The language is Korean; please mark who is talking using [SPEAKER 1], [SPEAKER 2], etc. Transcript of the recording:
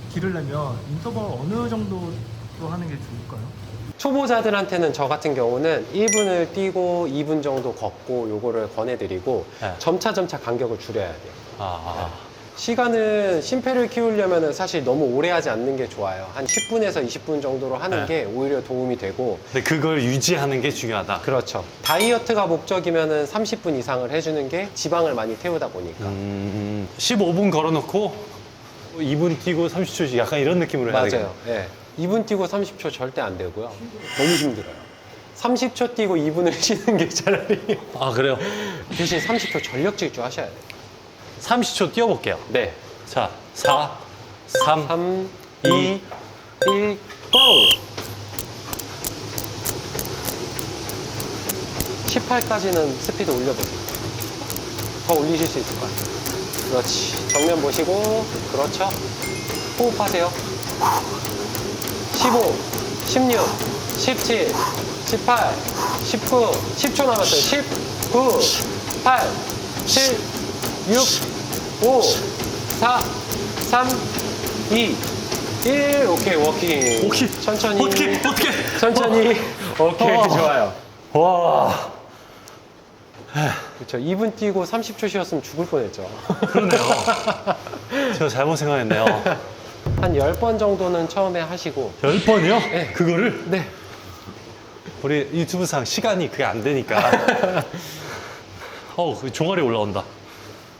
[SPEAKER 1] 기르려면 인터벌 어느 정도로 하는 게 좋을까요?
[SPEAKER 2] 초보자들한테는 저 같은 경우는 1분을 뛰고 2분 정도 걷고 요거를 권해드리고
[SPEAKER 3] 네.
[SPEAKER 2] 점차 간격을 줄여야 돼요.
[SPEAKER 3] 아,
[SPEAKER 2] 시간은 심폐를 키우려면 사실 너무 오래 하지 않는 게 좋아요. 한 10분에서 20분 정도로 하는
[SPEAKER 3] 네.
[SPEAKER 2] 게 오히려 도움이 되고.
[SPEAKER 3] 근데 그걸 유지하는 게 중요하다.
[SPEAKER 2] 그렇죠. 다이어트가 목적이면 30분 이상을 해주는 게 지방을 많이 태우다 보니까.
[SPEAKER 3] 15분 걸어놓고 2분 뛰고 30초씩 약간 이런 느낌으로 해야 되겠네요.
[SPEAKER 2] 맞아요. 예. 2분 뛰고 30초 절대 안 되고요. 너무 힘들어요. 30초 뛰고 2분을 쉬는 게 차라리.
[SPEAKER 3] 아, 그래요?
[SPEAKER 2] 대신 30초 전력 질주 하셔야 돼요.
[SPEAKER 3] 30초 뛰어볼게요.
[SPEAKER 2] 네.
[SPEAKER 3] 자, 4, 3,
[SPEAKER 2] 3,
[SPEAKER 3] 2,
[SPEAKER 2] 1, 고! 18까지는 스피드 올려보세요. 더 올리실 수 있을 것 같아요. 그렇지. 정면 보시고, 그렇죠. 호흡하세요. 15, 16, 17, 18, 19, 10초 남았어요. 10, 9, 8, 7, 6, 5, 4, 3, 2, 1. 오케이, 워킹.
[SPEAKER 3] 오케이.
[SPEAKER 2] 천천히.
[SPEAKER 3] 어떻게?
[SPEAKER 2] 천천히. 오케이, 좋아요.
[SPEAKER 3] 와,
[SPEAKER 2] 그렇죠. 2분 뛰고 30초 쉬었으면 죽을 뻔했죠.
[SPEAKER 3] 그러네요. 제가 잘못 생각했네요.
[SPEAKER 2] 한 10번 정도는 처음에 하시고.
[SPEAKER 3] 10번이요?
[SPEAKER 2] 네.
[SPEAKER 3] 그거를?
[SPEAKER 2] 네.
[SPEAKER 3] 우리 유튜브상 시간이 그게 안 되니까. 종아리 올라온다.